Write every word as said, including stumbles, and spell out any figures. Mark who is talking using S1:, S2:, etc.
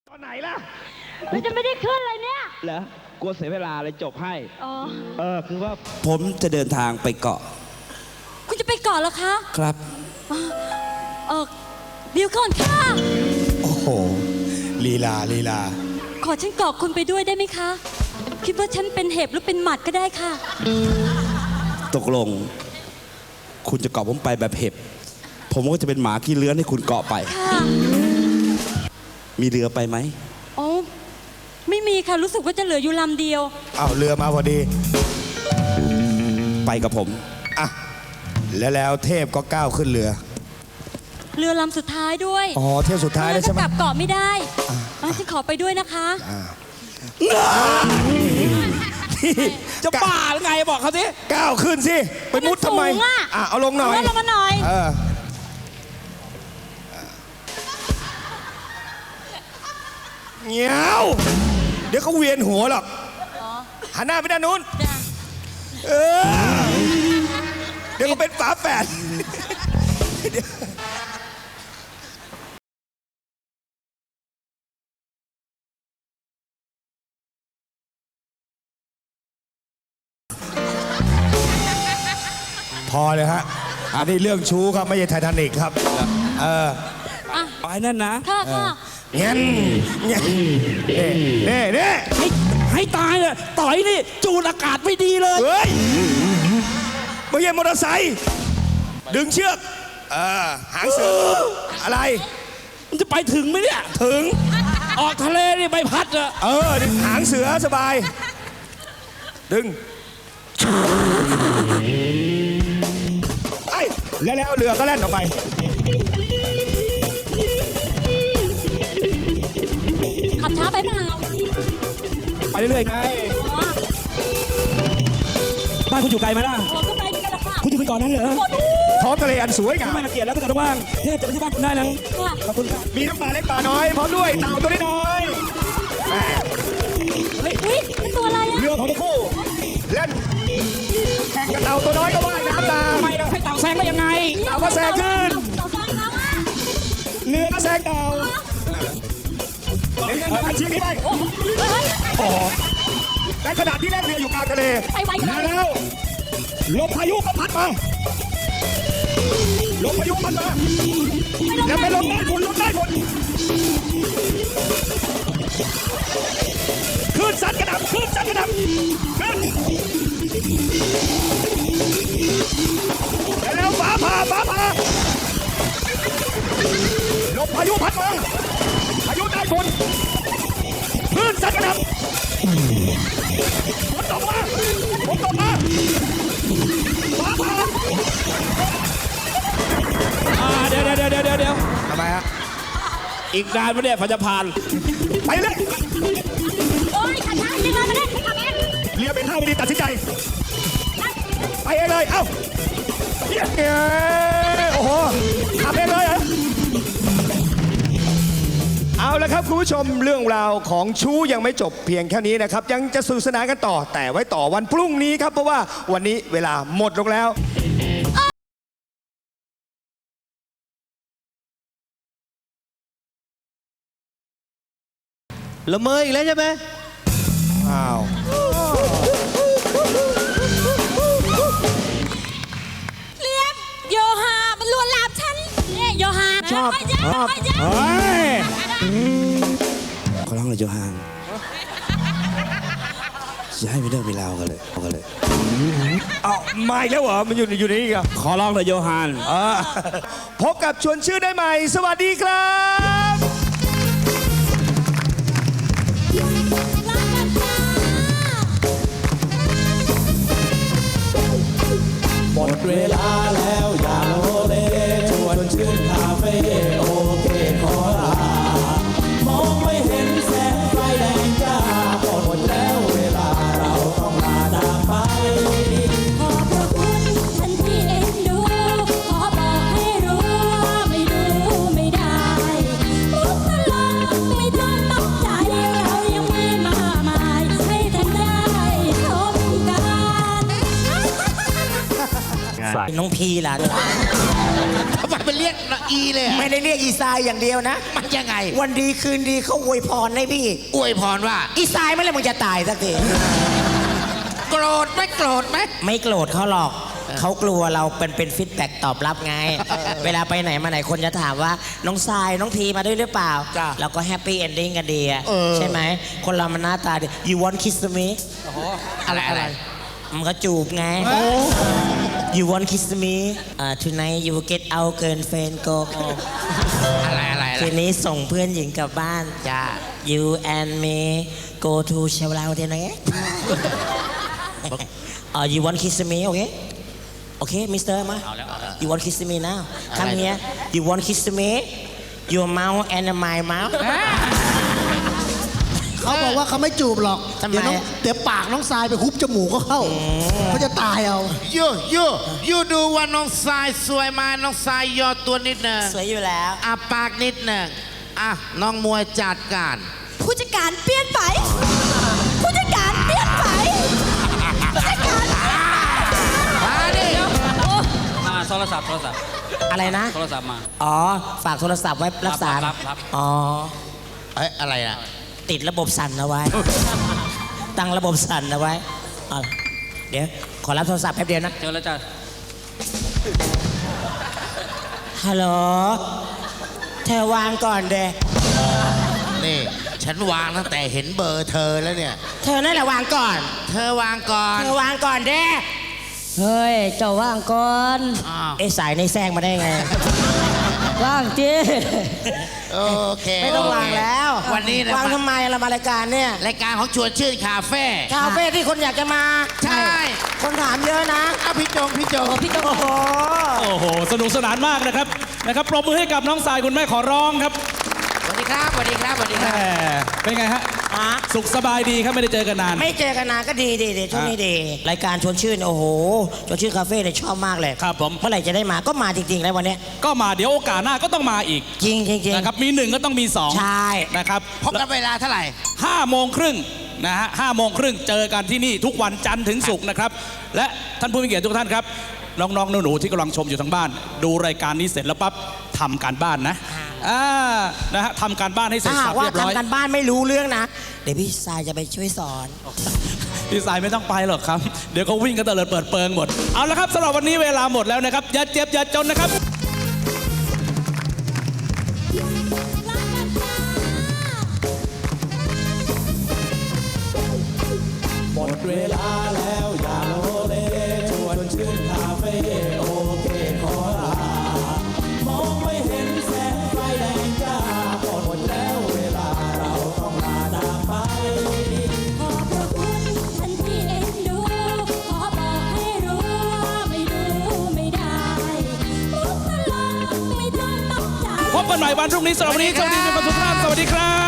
S1: ตอนไหนล่ะ
S2: มันจะไม่ได้ขึ้นเลยเนี่ย
S1: เหรอกลัวเสียเวลาเลยจบให้
S2: อ๋อ
S1: เออคือว่า
S3: ผมจะเดินทางไปเกาะ
S2: คุณจะไปก่อนเหรอคะ
S3: ครับ
S2: เออเดี๋ยวก่อนค่ะ
S4: โอ้โหลีลาลีลา
S2: ขอฉันเกาะคุณไปด้วยได้ไหมคะ คิดว่าฉันเป็นเห็บหรือเป็นหมัดก็ได้ค่ะ
S3: ตกลง คุณจะเกาะผมไปแบบเห็บ ผมก็จะเป็นหมาขี้เลื้อนให้คุณเกาะไป
S2: ค่ะ
S3: มีเรือไปไหม
S2: อ๋อ ไม่มีค่ะ รู้สึกว่าจะเหลืออยู่ลำเดียว
S4: อ้าวเรือมาพอดี
S3: ไปกับผม
S4: อ่ะแล้วแล้วเทพก็ก้าวขึ้นเรือ
S2: เรือลำสุดท้ายด้วย
S4: อ๋อเทพสุดท้ายแล้วใช่ไหม
S2: กลับเกาะไม่ได้อ่ะฉันขอไปด้วยนะคะ
S3: จะบ้าหรือไงบอกเขาสิ
S4: ก้าวขึ้นสิ ไปมุดทำไม
S2: มันสูงอะ
S4: อ่ะเอาลงหน่อย
S2: เอาลงมาหน่อย
S4: เออเงี้ยวเดี๋ยวเขาเวียนหัวหรอกหันหน้าไปด้านนู้น
S2: จ้ะ
S4: เออเดี๋ยวเขาเป็นฝาแฝดพอเลยฮะ อันนี้เรื่องชู้ครับ ไม่ใช่ไททานิกครับ เออ
S2: อ่ะ
S3: ไปนั่นนะ
S2: ค่ะค่ะ
S4: เงี้ยเงี้ยเน่เน่
S3: ให้ให้ตายเลยต่อยนี่ จูดอากาศไม่ดีเลย
S4: เฮ้ยไม่ใช่มอเตอร์ไซค์ดึงเชือก เออ หางเสืออะไร
S3: มันจะไปถึงไหมเนี่ย
S4: ถึง
S3: ออกทะเลนี่ใบพัดอะ
S4: เออ หางเสือสบาย ดึงไอ้แล้วแล้วเรือก็แล่นออกไป
S2: ขับช้าไปเปล่า
S3: ไปเรื่อยๆไง
S2: อ๋อ
S3: บ้านคุณอยู่ไกลไหมล่ะ
S2: โอ้ก็ไปด้วยกันละค่ะ
S3: คุณอยู่ไปก่อนนั้นเหรอ
S2: โอ้ดู
S4: ท้องทะเลอันสวยงาม
S3: ไม่มาเกลียดแล้วก็จะว่างเทพจะไปที่บ้านคุณได้นะ
S2: ค่ะ
S3: ขอบคุณครับ
S4: มีทั้งปลาเล็กปลาน้อยพร้อมด้วยเต่าตัวน้อยแม่
S2: อุ้ยเป็นตัวอะไรอะ
S4: เรือของทั้งคู่เล่นแข่งกับเต่าตัวน้อยก็ว่ายน้ำตาม
S3: ไม่เราให้เต่าแซงได้ยังไง
S4: เต่าก็แซงขึ้น
S2: เต่าแซงแล้วอะ
S4: เรือก็แซงเต่าเล่นกันชิงนี้ไป
S2: โอ้โหเฮ้ย
S4: โอ้โหในขณะที่เล่นเรืออยู่กลางทะเล
S2: ไปไวจัง
S4: แล้วลมพายุก็พัดมาลมพายุพัดมาแล้วไปลมได้ผลลมได้ผลคลื่นซัดกระดับคลื่นซัดกระดับคลื่นแล้วฟ้าผ่าฟ้าผ่าลมพายุพัดมาพายุได้ผลคลื่นซัดกระดับฝนตกมาฝนตกมาฟ้าผ่า
S3: อ่าเดี๋ยวเดี๋ยวเดี๋ยวเดี๋ยวเดี๋ยว
S4: ทำไมฮะ
S3: อีกนานไหมเนี่ยพอจะผ่าน
S4: ไปเลย
S2: โอ้ยขับช้าจริงเลยมาเล่นขับเอง
S4: เรือเป็นท่าไม่ดีตัดสินใจ ไปเองเลย เอ้าเย้โอ้โหขับเองเลยเหรอเอาละครับคุณผู้ชมเรื่องราวของชู้ยังไม่จบเพียงแค่นี้นะครับ ยังจะสนุกสนานกันต่อ แต่ไว้ต่อวันพรุ่งนี้ครับ เพราะว่าวันนี้เวลาหมดลงแล้ว
S5: ละเมออีกแล้วใช่ไหม
S4: อ้าว
S2: เลี้ยงโยฮา มันลวนลามฉันเนี่ยโยฮา
S4: ชอบ
S2: ไม่ใช่
S4: ชอบ
S2: ไม่ใช่
S4: เฮ้ย
S3: ขอร้องเลยโจฮานอย่าให้มีเรื่องมีราวกันเลยเอากันเลย
S4: เอามาอีกแล้วเหรอ มันอยู่อยู่ในนี่กัน
S3: ขอร้องเลยโจฮาน
S4: พบกับชวนชื่อได้ใหม่ สวัสดีครับ
S2: รักกันจ้า
S5: หมดเวลาแล้วอย่าโลเลชวนชื่นคาเฟ่โอเคขอลามองไม่เห็นแสงไฟแดงจ้าหมดแล้วเวลาเราต้องลาจากไป
S2: ขอบพระคุณท่านที่เอ็นดู ขอบอกให้รู้ว่าไม่ดูไม่ได้มุกตลกไม่ต้องตกใจ เรายังมีมากมายให้ท่านได้ชมกัน
S4: ไง
S6: ทราย
S5: น้องพีล่ะ
S7: ทำไมมันเรียกอีเลยอะ
S5: ไม่ได้เรียกอีทรายอย่างเดียวนะ
S7: มันยังไง
S5: วันดีคืนดีเขาอวยพรให้พี่
S7: อวยพรว่า
S5: อีทรายไม่เลยมึงจะตายสักที
S7: โกรธไหมโกรธไหม
S5: ไม่โกรธเขาหรอก เขากลัวเราเป็นเป็นฟีดแบ็กตอบรับไง เวลาไปไหนมาไหนคนจะถามว่าน้องทรายน้องพีมาด้วยหรือเปล่า
S7: จ้ะ
S5: เราก็แฮปปี้เอนดิ้งกันดีอะ
S7: เออ
S5: ใช่ไหม คนเรามันหน้าตาดี you want kiss me
S7: อะไรอะไร
S5: มันก็จูบไง you want kiss me uh, tonight you get out girlfriend go home
S7: อะไรอะไรอะไร
S5: คืนนี้ส่งเพื่อนหญิงกลับบ้านจ้า you and me go to เชลลาวเทนไง uh, you want kiss me okay okay mister มา you want kiss me now come here you want kiss me your mouth and my mouth
S8: เขาบอกว่าเขาไม่จูบหรอก
S5: ทำไม
S8: เดี๋ยวน้องเดี๋ยวปากน้องทรายไปคุบจมูกก็เข้าเขาจะตายเอา
S7: ยูยูยูดูว่าน้องทรายสวยมาน้องทรายย่อตัวนิดหนึ่ง
S5: สวยอยู่แล้ว
S7: อ่ะปากนิดหนึ่งอ่ะน้องมวยจัดการ
S2: ผู้จัดการเปลี่ยนไปผู้จัดการเปลี่ยนไปผู้จัดการ
S7: มาดิ
S6: มาโทรศัพท์โทรศัพท์
S5: อะไรนะ
S6: โทรศัพท์มา
S5: อ๋อ ฝากโทรศัพท์ไว้รักษา
S6: รับรับรับ
S5: อ๋อ
S7: เอ้ยอะไรนะ
S5: ติดระบบสั่นเอาไว้ ตั้งระบบสั่นเอาไว้เอาล่ะเดี๋ยว ขอรับโทรศัพท์แป๊บเดียวนะ
S6: เจอแล้วจ้ะ
S5: ฮัลโหล เธอวางก่อนเด
S7: นี่ ฉันวางตั้งแต่เห็นเบอร์เธอแล้วเนี่ย
S5: เธอนั่นแหละวางก่อน
S7: เธอวางก่อน
S5: เธอวางก่อนเด้
S2: เฮ้ย เจ้าว่างก่อน
S7: อ้าว
S5: เอะสายในแซงมาได้ไง
S2: ว่างจี
S7: โอเค
S5: ไม่ต้องวางแล้ว
S7: วันนี้นะ
S5: วางทำไมเรามารายการเนี่ย
S7: รายการของชวนชื่นคาเฟ่
S5: คาเฟ่ที่คนอยากจะมา
S7: ใช่
S5: คนถามเยอะนะ
S7: อ่ะพี่จงพี่จง
S5: พี่โอ้โห
S6: โอ้โห สนุกสนานมากนะครับ นะครับ ปรบมือให้กับน้องสายคุณแม่ขอร้องครับ
S7: สวัสดีครับสวัสดีครับสวัสดีค
S6: แห
S7: รับ
S6: มเป็นไงฮะ
S5: ฮะ
S6: สุขสบายดีครับไม่ได้เจอกันนาน
S5: ไม่เจอกันนานก็ดีดีดีช่วงนี้ดี รายการชวนชื่น โอ้โหชวนชื่นคาเฟ่เนี่ยชอบมากเลย
S6: ครับผม
S5: เมื่อไหร่จะได้มาก็มาจริงๆแล้ววันเนี้ย
S6: ก็มาเดี๋ยวโอกาสหน้าก็ต้องมาอีก
S5: จริงจริงจริง
S6: นะครับ มีหนึ่งก็ต้องมีสอง
S5: ใช่
S6: นะครับ
S7: พบกันเวลาเท่าไหร่
S6: ห้าโมงครึ่งนะฮะห้าโมงครึ่งเจอกันที่นี่ทุกวันจันทร์ถึงศุกร์นะครับ และท่านผู้มีเกียรติทุกท่านครับ น้องๆหนูๆที่กำลังชมอยู่ทางบ้าน ดูรายการนี้เสร็จแล้วปั๊บทำการบ้านนะอ่านะฮะทำการบ้านให้เสร็
S5: ถ้า
S6: จ
S5: หา
S6: สั
S5: ก
S6: บ
S5: ว่า
S6: เรียบร้อย
S5: ทำกันบ้านไม่รู้เรื่องนะ เดี๋ยวพี่สายจะไปช่วยสอน
S6: พี่สายไม่ต้องไปหรอกครับ เดี๋ยวเขาวิ่งกันเตลิดเปิดเปิงหมด เอาละครับสำหรับวันนี้เวลาหมดแล้วนะครับ อย่าเจ็บอย่าจนนะครับ
S5: ลากันจ้าหมดเวลาแล้วอย่าโลเลชวนชื่นคาเฟ่โอเคขอลามองไม่เห็นแสงไฟแดงจ้าหมดแล้วเวลาเราต้องลาจากไป
S2: ขอบพระคุณท่านที่เอ็นดู ขอบอกให้รู้ว่าไม่รู้ไม่ได้มุกตลกไม่ต้องตกใจ
S6: พบกันใหม่วันพรุ่งนี้สำหรับวันนี้สวัสดีมีความสุขมากสวัสดีครับ